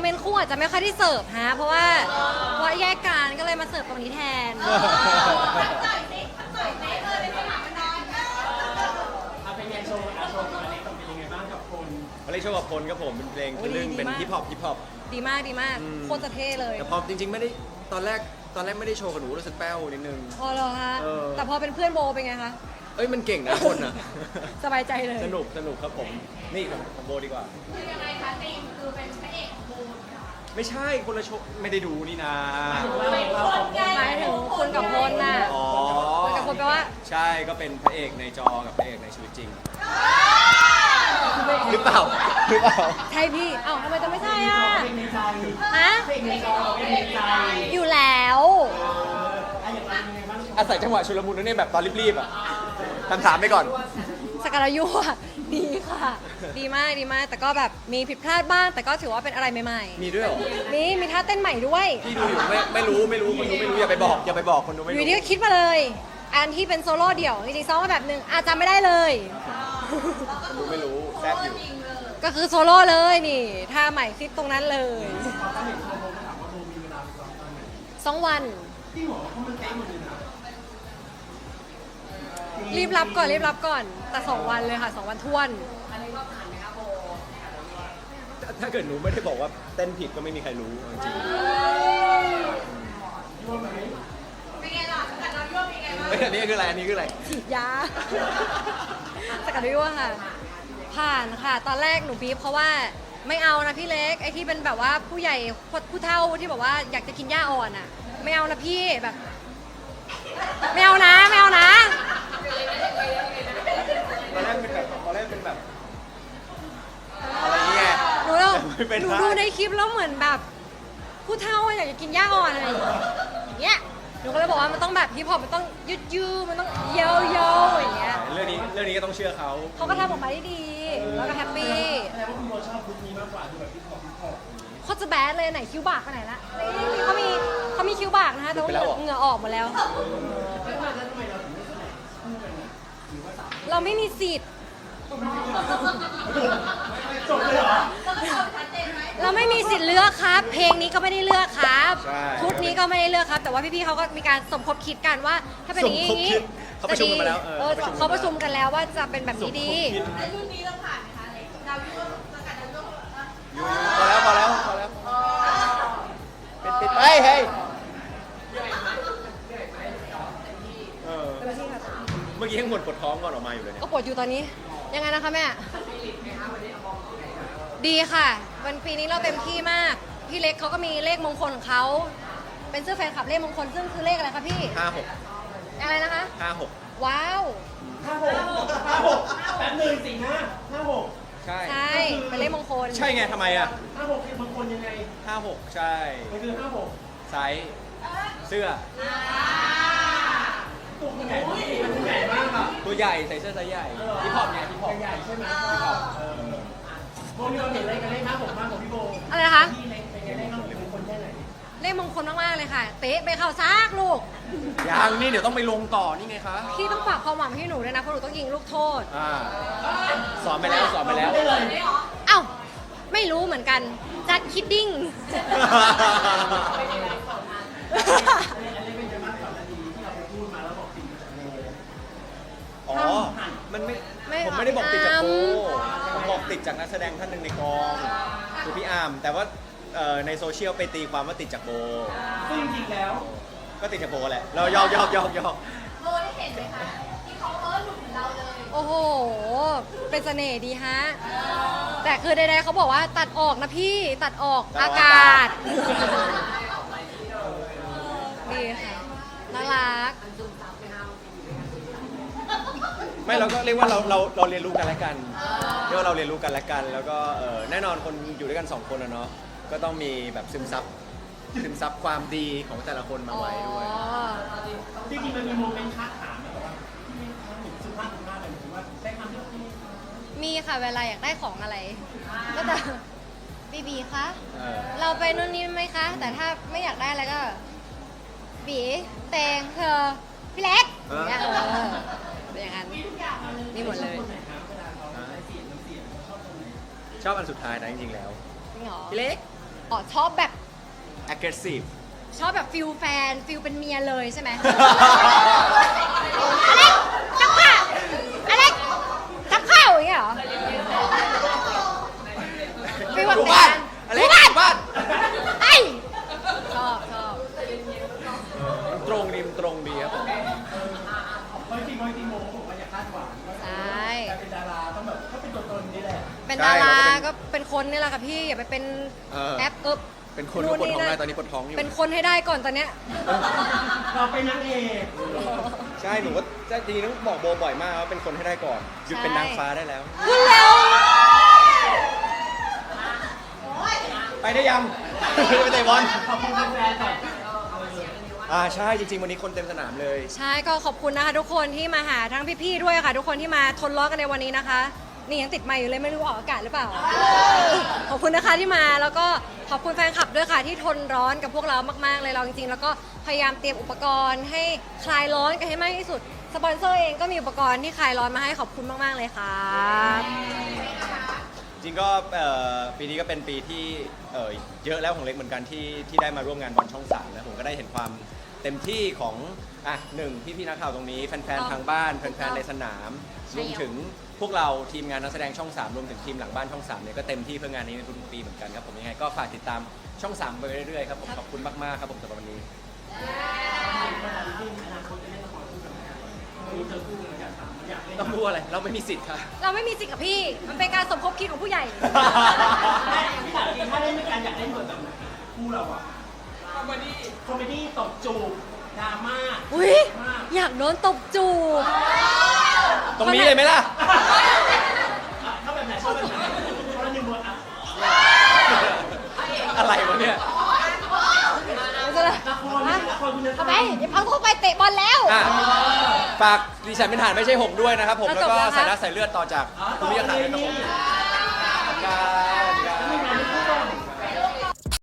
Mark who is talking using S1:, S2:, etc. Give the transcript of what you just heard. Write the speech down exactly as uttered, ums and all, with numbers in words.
S1: เมนต์คู่อาจจะไม่ค่อยได้เสิร์ฟฮะเพราะว่าเพราะแยกกันก็เลยมาเสิร์ฟตรงนี้แทน
S2: เอาเป็นไงโชว์อาโชว์กับอเล็กเป็นยังไงบ้างกับคน
S3: มาเล่นโชว์กับพลครับผมเป็นเพลงทะลึ่งเป็นฮิปฮอปฮิปฮอป
S1: ดีมากดีมาก
S3: อืม
S1: โคตรจะเท่เลย
S3: แต่พอจริงๆไม่ได้ตอนแรกตอนแรกไม่ได้โชว์กับหนูรู้สึกแป้วนิดนึง
S1: พอเหรอฮะ
S3: เออ
S1: แต่พอเป็นเพื่อนโบเป็นไงคะ
S3: เอ้ยมันเก่งนะคนอ่ะ
S1: สบายใจเลย
S3: สนุกสนุกครับผมนี่ของของโบดีกว่า
S4: คือยังไงคะตีมคือเป็นพระเอกของบูมค่ะ
S3: ไม่ใช่คนละโชว์ไม่ได้ดูนี่นะ
S4: เป็นคนไง
S1: หมายถึงคุณกับพลน่ะ
S3: อ๋อ
S1: คุณกับพลแปลว่า
S3: ใช่ก็เป็นพระเอกในจอกับพระเอกในชีวิตจริงหรือเปล่าหรือเปล่า
S1: ใช่พี่เอ้าทำไมจะไม่ใช่อ่ะ
S2: เพลงในใจ
S1: ฮะ
S2: เพลงในจอเพลงในใจ
S1: อยู่แล้ว
S2: อะอย่างไรยังไงบ้าง
S3: อาศัยจังหวะชุลมุนนั่นเองแบบตอนรีบๆอ่ะคำถามไปก่อน
S1: สกัดยั่วดีค่ะ ดีมากดีมาก แต่ก็แบบมีผิดพลาดบ้าง แต่ก็ถือว่าเป็นอะไรใหม่
S3: มีด้วยเหรอ
S1: ๆ มีมีท่าเต้นใหม่ด้วย
S3: พี่ดูอยู่ไม่ไม่รู้ไม่รู้คนดูไม่รู้อย่าไปบอกอย่าไปบอกคนดูไม่
S1: อ
S3: รู้
S1: ยู่ดีก็คิดมาเลย อันที่เป็นโซโล่เดี่ยวจริงๆซ้อมมาแบบหนึ่งอาจจำไม่ได้เลย
S3: คนดูไม่รู้แซบอยู่
S1: ก็คือโซโล่เลยนี่ท่าใหม่คิดตรงนั้นเลยสองวัน
S2: ที่หัวเขามันเต้หมดเลยนะ
S1: รีบรับก่อนรีบรับก่อน แต่สองวันเลยค่ะสองวันท้วน
S3: ถ้าเกิดหนูไม่ได้บอกว่าเต้นผิดก็ไม่มีใครรู้จริง
S4: เป็นไงล่ะสกัดเรายั่วเป็นไงบ้าง
S3: ๆเอ้ยอันนี้คืออะไรอันนี้คืออะไร
S1: ฉีดยา สกัดยั่วค่ะ ผ่านค่ะ ตอนแรกหนูบีบเพราะว่าไม่เอานะพี่เล็กไอ้ที่เป็นแบบว่าผู้ใหญ่ผู้เฒ่าที่แบบว่าอยากจะกินหญ้าอ่อนอ่ะ ไม่เอานะพี่แบบ ไม่เอานะไม่เอานะ
S3: ตอนแรกเป็นแบบตอนแรกเป็นแบบอะไรเงี้ย
S1: หนูเรา
S3: ไม่เป็น
S1: หนู
S3: ไร
S1: ดูในคลิปแล้วเหมือนแบบ ผู้เฒ่าอยากจะกินหญ้าอ่อนอะไรอย่างเงี้ยหนูก็เลยบอกว่ามันต้องแบบฮิปฮอปมันต้องยืดยืดมันต้องเยาเยาอย่างเงี้ย
S3: เรื่องนี้เรื่องนี้ก็ต้องเชื่อเขา
S1: เขาก็ทำออกมาได้ดีแล้วก็แฮปปี้
S2: แสดงว่าคุณโบชอบลุคนี้มากกว่าดูแบบพี่ขอบพี่ขอบ
S1: โคตรจะแบดเลยไหนคิ้วบากไปไหนละนี่เขามีเขามีคิ้วบากนะคะแต่ว่าเหงื่อเหงื่อออกหมดแล้ว เราไม่มีสิทธิ์
S2: จบเลยเหรอ
S1: เราไม่มีสิทธิ์เลือกครับ เพลงนี้ก็ไม่ได้เลือกครับ
S3: ใช่
S1: ชุดนี้ก็ไม่ได้เลือกครับ แต่ว่าพี่ๆเขาก็มีการสมคบคิดกันว่า ถ้าเป็นอย่างนี้
S3: สมคบคิดเขาประชุมกันมาแล้ว
S1: เออเขาประชุมกันแล้วว่าจะเป็นแบบนี้ดี
S4: แต่รุ่นนี้เราผ่านไหมคะเล็กเรายั่วสกัดเรายั่วอ่ะ
S3: อยู่พอแล้วพอแล้วพอแล้วปิดปิดไปเฮ้ยเออเมื่อกี้ยังบ่นปวดท้องก่อนออกมาอยู่เลยเนี่ย
S1: ก็ปวดอยู่ตอนนี้ ยังไงนะคะแม่ ดีค่ะ วันปีนี้เราเต็มที่มาก พี่เล็กเขาก็มีเลขมงคลของเขา เป็นเสื้อแฟนคลับเลขมงคลซึ่งคือเลขอะไรคะพี่
S3: ห้าหก
S1: อะไรนะคะ
S3: ห้าหก
S1: ว้าว
S2: ห้าหกห้าหกแป๊บหนึ่งสี่ห้าห้าหก
S3: ใช่
S1: ใช่ เป็นเลขมงคล
S3: ใช่ไงทำไมอ่ะ
S2: ห้าหกคือบางคนยังไง
S3: ห้าหกใช่
S2: มันคือห้าหก
S3: ไซส์เสื้อ
S2: ตัวมันใหญ่มากมันใหญ่มากอ่ะ
S3: ตัวใหญ่ใส่เสื้อไซส์ใหญ่ที่พอปไงที่พอป
S2: ใหญ่ใช่ไหมเออโบมีความเห็นอะไรกันเลขห้าหกมากกว่าพี่โบ
S1: อะไรนะคะ
S2: พี่เล็กเป็นไงเลขห้าหกเป็นคนแค่ไหน
S1: เลขมงคลมากๆเลยค่ะ เตะไปเข้าซากลูก
S3: ยังนี่เดี๋ยวต้องไปลงต่อนี่ไงคะ
S1: พี่ต้องฝากความหวังให้หนูด้วยนะ เพราะหนูต้องยิงลูกโทษ
S3: อ่าสอนไปแล้วสอนไปแล้ว
S2: ได้เลย
S1: เอ้า ไม่รู้เหมือนกัน จัดคิดดิ้ง
S3: อ๋อ มันไม่
S1: ไม่
S3: ผมไม่ได้บอกติดจากโบ
S1: พี่อาร์ม
S3: ผมบอกติดจากนักแสดงท่านหนึ่งในกองคือพี่อาร์มแต่ว่าเอ่อในโซเชียลไปตีความว่าติดจากโบ
S2: ซึ่งจริงๆแล้ว
S3: ก็ติดจากโบแหละ เรายอกยอกยอกยอก
S4: โบได้เห็นไหมคะที่เขาเออหลุดเหมือนเราเลย
S1: โอ้โห เป็นเสน่ห์ดีฮะ แต่คือใดๆเขาบอกว่าตัดออกนะพี่ตัดออกอากาศ ดีค่ะ น่ารัก
S3: ไม่เราก็เรียกว่าเราเราเราเรียนรู้กันและกันเรียกว่าเราเรียนรู้กันและกัน แล้วก็เอ่อแน่นอนคนอยู่ด้วยกันสองคนอะเนาะก็ต้องมีแบบซึมซับซึมซับความดีของแต่ละคนมาไว้ด้วย
S1: อ๋อ
S2: จริงๆมันมีโมเมนต์คัดถามแบบว่าที่ไม่ทำหนึ่งสุภาพสุภาพเลยหรือว่าได้คำที่พี่
S1: มีค่ะเวลาอยากได้ของอะไร ก็จะบีบีคะ
S3: เออ
S1: เราไปนู่นนี่ไหมคะ แต่ถ้าไม่อยากได้อะไรก็ บีแตงเธอ พี่เล็กอย่างเงี้ยเออเป็นอย่างนั้นนี่หมดเลย
S2: คนไหนครับเวลาเขาได้เสียงน้ำเสียงชอบตรงไหน
S3: ชอบอันสุดท้ายนะจริงๆแล้ว
S1: จริงเหรอ
S3: พี่เล็ก
S1: อ๋อชอบแบบ
S3: aggressive
S1: ชอบแบบฟิลแฟนฟิลเป็นเมียเลยใช่ไหม อเล็กกับข้าวอเล็กกับข้าวอย่างเงี้ยเหรอฟิลแบบ
S3: ดูบ้านอะไร
S1: ดูบ้าน
S3: ดูบ้าน
S1: ไอ้ชอบชอบ
S3: มันตรงดีมันตรงดีครับผม
S2: เพราะจริงๆเพราะจริงๆโมเขาบอกว่าอย่าคาดหวังว่า
S1: ใช่
S2: การเป็นดาราต้องแบบก็เป็นตัวตนนี่แหละ
S1: เป็นดาราก็เป็นคนนี่แหละค่ะพี่อย่าไปเป็น
S3: เออ
S1: แอปเอบ
S3: เป็นคนก็ปวดท้องได้ตอนนี้ปวดท้องอยู่
S1: เป็นคนให้ได้ก่อนตอนเนี้ย
S2: เราเป็นนางเอก
S3: ใช่หนูก็จริงๆต้องบอกโบบ่อยมากว่าเป็นคนให้ได้ก่อนหยุดเป็นนางฟ้าได้แล้ว
S1: คุณแล้ว
S3: ไปได้ยัง ไปเตะบอล
S2: ขอบคุณแฟนๆก่อน
S3: อ่าใช่จริงๆวันนี้คนเต็มสนามเลย
S1: ใช่ก็ขอบคุณนะคะทุกคนที่มาหาทั้งพี่ๆด้วยค่ะ ทุกคนที่มาทนร้อนกันในวันนี้นะคะ นี่ยังติดไมค์อยู่เลยไม่รู้ออกอากาศหรือเปล่า ขอบคุณนะคะที่มาแล้วก็ขอบคุณแฟนคลับด้วยค่ะที่ทนร้อนกับพวกเรามากๆเลยเราจริงๆ แล้วก็พยายามเตรียมอุปกรณ์ให้คลายร้อนกันให้มากที่สุดสปอนเซอร์เองก็มีอุปกรณ์ที่คลายร้อนมาให้ขอบคุณมากๆเลยค่ะ
S3: จริงก็เอ่อปีนี้ก็เป็นปีที่เอ่อเยอะแล้วของเล็กเหมือนกันที่ที่ได้มาร่วมงานบอลช่องสามนะผมก็ได้เห็นความเต็มที่ของอ่ะหนึ่งพี่พี่ๆนักข่าวตรงนี้แฟนๆทางบ้านแฟนๆในสนาม
S1: ใช่
S3: รวมถึงพวกเราทีมงานนักแสดงช่องสามรวมถึงทีมหลังบ้านช่องสามเนี่ยก็เต็มที่เพื่องานนี้ในทุกๆปีเหมือนกันครับผมยังไงก็ฝากติดตามช่องสามไปเรื่อยๆครับผมขอบคุณมากๆครับผมสำหรับวันนี้
S2: ที่อนาคตจะเล่นละครคู่กันไหมรู้เจอคู่กันอยากถามอยากเล่น
S3: ต้องพูดอะไรเราไม่มีสิทธิ์ค่ะ
S1: เราไม่มีสิทธิ์กับพี่ มันเป็นการสมคบคิดของผู้ใหญ่
S2: ไม่พี่ถามจริงถ้าเล่นด้วยกันอยากเล่นบทแบบไหนคู่เราอะคอมเมดี้คอมเมดี้ตบจูบดราม่า
S1: อุ้ยอยากโดนตบจูบ
S3: ตรงนี้เลยไหมล่ะ
S2: ชอบแบบไหนชอบแบบไหนชอบหนึ่งบทอะ
S3: อะไรวะเนี่ย
S2: ละครไม่ใช่ละครคุณธรร
S1: เข้าม ไปอย่าพังเข้าไปเตะบอลแล้ว
S3: อ่ะฝากดิฉันเป็นฐานไม่ใช่หงส์ด้วยนะครับผม
S1: แล้ว
S3: แล้ว
S1: จบ
S3: ก็
S1: แล้วครับ
S3: สายน้ำสายเลือดต่อจากคุณวิทยาศาสตร์ด้วยครับผมครับ